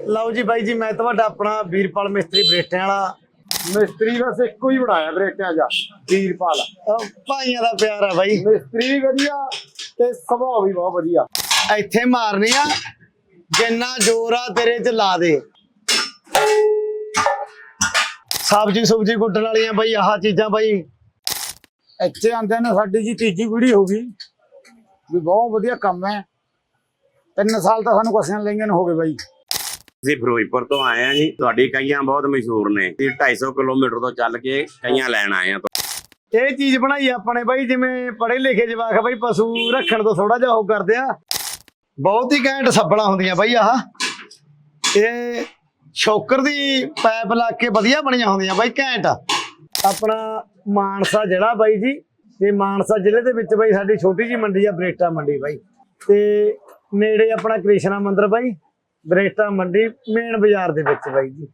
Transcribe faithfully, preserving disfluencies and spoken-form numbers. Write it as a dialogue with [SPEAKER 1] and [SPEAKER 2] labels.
[SPEAKER 1] ਲਓ ਜੀ ਬਾਈ ਜੀ, ਮੈਂ ਤੁਹਾਡਾ ਆਪਣਾ ਵੀਰਪਾਲ ਮਿਸਤਰੀ ਬਰੇਟਿਆਂ ਵਾਲਾ।
[SPEAKER 2] ਮਿਸਤਰੀ ਬਸ ਇੱਕੋ ਹੀ ਬਣਾਇਆ ਬਰੇਟਿਆਂ ਜਾ, ਵੀਰਪਾਲ।
[SPEAKER 1] ਅਹ ਭਾਈਆਂ ਦਾ ਪਿਆਰ ਆ ਬਾਈ।
[SPEAKER 2] ਮਿਸਤਰੀ ਵੀ ਵਧੀਆ ਤੇ ਸੁਭਾਅ ਵੀ ਬਹੁਤ ਵਧੀਆ।
[SPEAKER 1] ਇੱਥੇ ਮਾਰਨੀ ਆ, ਜਿੰਨਾ ਜ਼ੋਰ ਆ ਤੇਰੇ ਚ ਲਾ ਦੇ। ਸਬਜ਼ੀ ਸੁਬਜੀ ਕੁੱਟਣ ਵਾਲੀਆਂ ਬਾਈ ਆਹ ਚੀਜ਼ਾਂ ਬਾਈ।
[SPEAKER 2] ਇੱਥੇ ਆਂਦੇ ਨੇ ਸਾਡੀ ਜੀ ਤੀਜੀ ਪੀੜ੍ਹੀ ਹੋ ਗਈ ਵੀ, ਬਹੁਤ ਵਧੀਆ ਕੰਮ ਹੈ। ਤਿੰਨ ਸਾਲ ਤਾਂ ਸਾਨੂੰ ਕਸੀਆਂ ਲਈਆਂ ਨੂੰ ਹੋ ਗਏ ਬਾਈ।
[SPEAKER 3] ਅਸੀਂ ਫਿਰੋਜ਼ਪੁਰ ਤੋਂ ਆਏ ਆ ਜੀ। ਤੁਹਾਡੀ ਕਈਆਂ ਬਹੁਤ ਮਸ਼ਹੂਰ ਨੇ। ਅਸੀਂ ਢਾਈ ਸੌ ਕਿਲੋਮੀਟਰ ਤੋਂ ਚੱਲ ਕੇ ਕਈਆਂ ਲੈਣ ਆਏ ਆ।
[SPEAKER 1] ਇਹ ਚੀਜ਼ ਬਣਾਈ ਆਪਣੇ ਬਾਈ, ਜਿਵੇਂ ਪੜ੍ਹੇ ਲਿਖੇ ਜਵਾਕ ਬਾਈ ਪਸ਼ੂ ਰੱਖਣ ਤੋਂ ਥੋੜਾ ਜਿਹਾ ਉਹ ਕਰਦੇ ਆ। ਬਹੁਤ ਹੀ ਘੈਂਟ ਸੱਬਲਾਂ ਹੁੰਦੀਆਂ ਬਾਈ ਆਹ। ਇਹ ਸ਼ੋਕਰ ਦੀ ਪਾਈਪ ਲਾ ਕੇ ਵਧੀਆ ਬਣੀਆਂ ਹੁੰਦੀਆਂ ਬਾਈ, ਘੈਂਟ। ਆਪਣਾ ਮਾਨਸਾ ਜ਼ਿਲ੍ਹਾ ਬਾਈ ਜੀ, ਇਹ ਮਾਨਸਾ ਜ਼ਿਲ੍ਹੇ ਦੇ ਵਿੱਚ ਬਾਈ ਸਾਡੀ ਛੋਟੀ ਜਿਹੀ ਮੰਡੀ ਆ, ਬਰੇਟਾ ਮੰਡੀ ਬਾਈ। ਤੇ ਨੇੜੇ ਆਪਣਾ ਕ੍ਰਿਸ਼ਨਾ ਮੰਦਿਰ ਬਾਈ, ਬਰੇਟਾ ਮੰਡੀ ਮੇਨ ਬਾਜ਼ਾਰ ਦੇ ਵਿੱਚ ਬਾਈ ਜੀ।